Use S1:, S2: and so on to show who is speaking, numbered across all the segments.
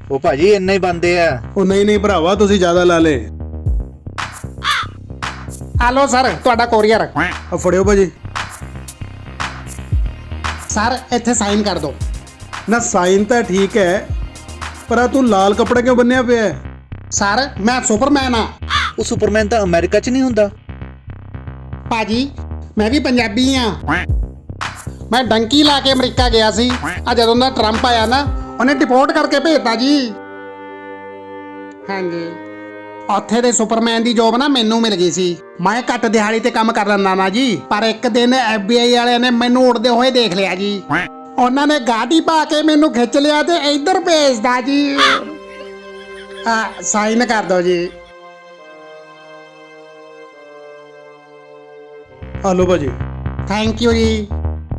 S1: ਉਹ ਭਾਜੀ ਇੰਨੇ ਹੀ ਬੰਦੇ ਆ।
S2: ਉਹ ਨਹੀਂ ਭਰਾਵਾ, ਤੁਸੀਂ ਜ਼ਿਆਦਾ ਲਾ ਲੇ।
S3: ਹਲੋ ਸਰ, ਤੁਹਾਡਾ ਕੋਰੀਅਰ।
S2: ਆ ਫੜਿਓ ਭਾਜੀ।
S3: ਸਰ ਇੱਥੇ ਸਾਈਨ ਕਰ ਦਿਓ।
S2: ਨਾ ਸਾਈਨ ਤਾਂ ਠੀਕ ਹੈ, ਪਰ ਆ ਤੂੰ ਲਾਲ ਕੱਪੜਾ ਕਿਉਂ ਬੰਨਿਆ ਪਿਆ ਹੈ?
S3: ਸਰ ਮੈਂ ਸੁਪਰਮੈਨ ਆ।
S1: ਉਹ ਸੁਪਰਮੈਨ ਤਾਂ ਅਮਰੀਕਾ 'ਚ ਨਹੀਂ ਹੁੰਦਾ।
S3: ਭਾਜੀ ਮੈਂ ਵੀ ਪੰਜਾਬੀ ਆ। ਮੈਂ ਡੰਕੀ ਲਾ ਕੇ ਅਮਰੀਕਾ ਗਿਆ ਸੀ। ਆ ਜਦੋਂ ਦਾ ਟਰੰਪ ਆਇਆ ਨਾ, ਉਹਨੇ ਡਿਪੋਰਟ ਕਰਕੇ ਭੇਜਤਾ ਜੀ। ਹਾਂਜੀ, ਉੱਥੇ ਦੇ ਸੁਪਰਮੈਨ ਦੀ ਜੋਬ ਨਾ ਮੈਨੂੰ ਮਿਲ ਗਈ ਸੀ। ਮੈਂ ਘੱਟ ਦਿਹਾੜੀ ਤੇ ਕੰਮ ਕਰ ਲੈਂਦਾ ਨਾ ਜੀ, ਪਰ ਇੱਕ ਦਿਨ FBI ਵਾਲਿਆਂ ਨੇ ਮੈਨੂੰ ਉੜਦੇ ਹੋਏ ਦੇਖ ਲਿਆ ਜੀ। ਉਹਨਾਂ ਨੇ ਗਾਡੀ ਪਾ ਕੇ ਮੈਨੂੰ ਖਿੱਚ ਲਿਆ ਤੇ ਇੱਧਰ ਭੇਜਦਾ ਜੀ। ਸਾਈਨ ਕਰ ਦਿਓ ਜੀ।
S2: ਹਲੋ ਭਾਜੀ।
S3: ਥੈਂਕ ਯੂ ਜੀ।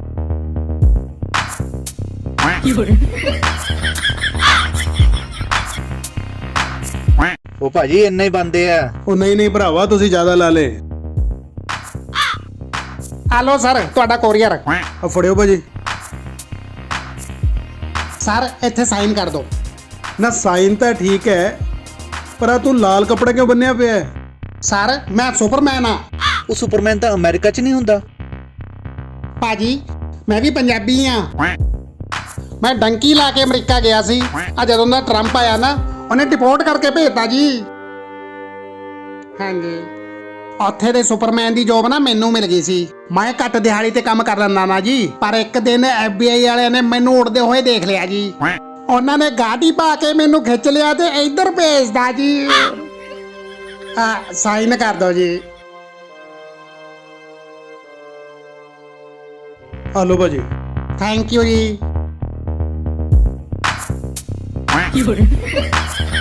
S1: ਉਹ ਭਾਜੀ ਇੰਨੇ ਹੀ ਬੰਦੇ ਆ।
S2: ਉਹ ਨਹੀਂ ਭਰਾਵਾ, ਤੁਸੀਂ ਜ਼ਿਆਦਾ ਲਾ ਲੇ।
S3: ਹਲੋ ਸਰ, ਤੁਹਾਡਾ ਕੋਰੀਅਰ।
S2: ਆ ਫੜਿਓ ਭਾਜੀ।
S3: ਸਰ ਇੱਥੇ ਸਾਈਨ ਕਰ ਦਿਓ।
S2: ਨਾ ਸਾਈਨ ਤਾਂ ਠੀਕ ਹੈ, ਪਰ ਆ ਤੂੰ ਲਾਲ ਕੱਪੜਾ ਕਿਉਂ ਬੰਨਿਆ ਪਿਆ ਹੈ?
S3: ਸਰ ਮੈਂ ਸੁਪਰਮੈਨ ਆ।
S1: ਉਹ ਸੁਪਰਮੈਨ ਤਾਂ ਅਮਰੀਕਾ 'ਚ ਨਹੀਂ ਹੁੰਦਾ।
S3: ਭਾਜੀ ਮੈਂ ਵੀ ਪੰਜਾਬੀ ਆ। ਮੈਂ ਡੰਕੀ ਲਾ ਕੇ ਅਮਰੀਕਾ ਗਿਆ ਸੀ। ਆ ਜਦੋਂ ਦਾ ਟਰੰਪ ਆਇਆ ਨਾ, ਉਹਨੇ ਡਿਪੋਰਟ ਕਰਕੇ ਭੇਜਤਾ ਜੀ। ਹਾਂਜੀ, ਉੱਥੇ ਦੇ ਸੁਪਰਮੈਨ ਦੀ ਜੋਬ ਨਾ ਮੈਨੂੰ ਮਿਲ ਗਈ ਸੀ। ਮੈਂ ਘੱਟ ਦਿਹਾੜੀ ਤੇ ਕੰਮ ਕਰ ਲੈਂਦਾ ਨਾ ਜੀ, ਪਰ ਇੱਕ ਦਿਨ FBI ਵਾਲਿਆਂ ਨੇ ਮੈਨੂੰ ਉੜਦੇ ਹੋਏ ਦੇਖ ਲਿਆ ਜੀ। ਉਹਨਾਂ ਨੇ ਗਾਡੀ ਪਾ ਕੇ ਮੈਨੂੰ ਖਿੱਚ ਲਿਆ ਤੇ ਇੱਧਰ ਭੇਜਦਾ ਜੀ। ਸਾਈਨ ਕਰ ਦਿਓ ਜੀ।
S2: ਹਲੋ ਭਾਜੀ।
S3: ਥੈਂਕ ਯੂ ਜੀ।